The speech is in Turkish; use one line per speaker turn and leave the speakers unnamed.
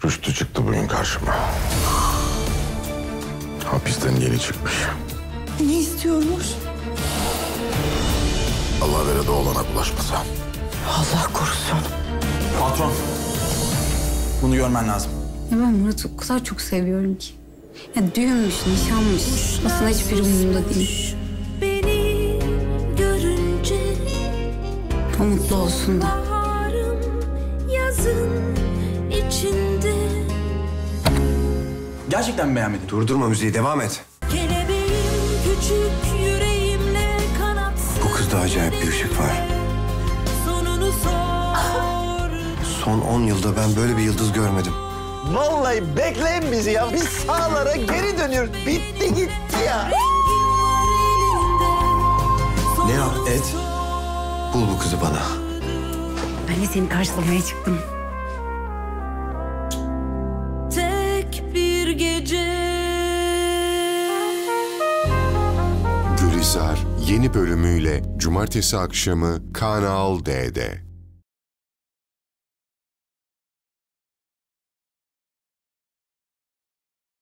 Rüştü çıktı bugün karşıma. Hapisten yeni çıkmış.
Ne istiyormuş?
Allah vere de oğlana bulaşmasa.
Allah korusun.
Patron. Bunu görmen lazım.
Ya ben Murat'ı o kadar çok seviyorum ki. Ya düğünmüş, nişanmış. Aslında hiçbiri umurumda değil.
Beni görünce
O mutlu olsun da.
baharım yazın içinde.
Gerçekten mi beğenmedin?
Durdurma müziği, devam et.
Kelebeğim küçük yüreğimle kanat.
Bu kızda acayip bir ışık var.
Sonunu sor.
Son 10 yılda ben böyle bir yıldız görmedim.
Vallahi bekleyin bizi ya. Biz sahalara geri dönüyoruz. Bitti gitti ya.
Ne yap et, bul bu kızı bana.
Ben de seni karşılamaya çıktım.
Tek bir gece.
Gülizar yeni bölümüyle Cumartesi akşamı Kanal D'de.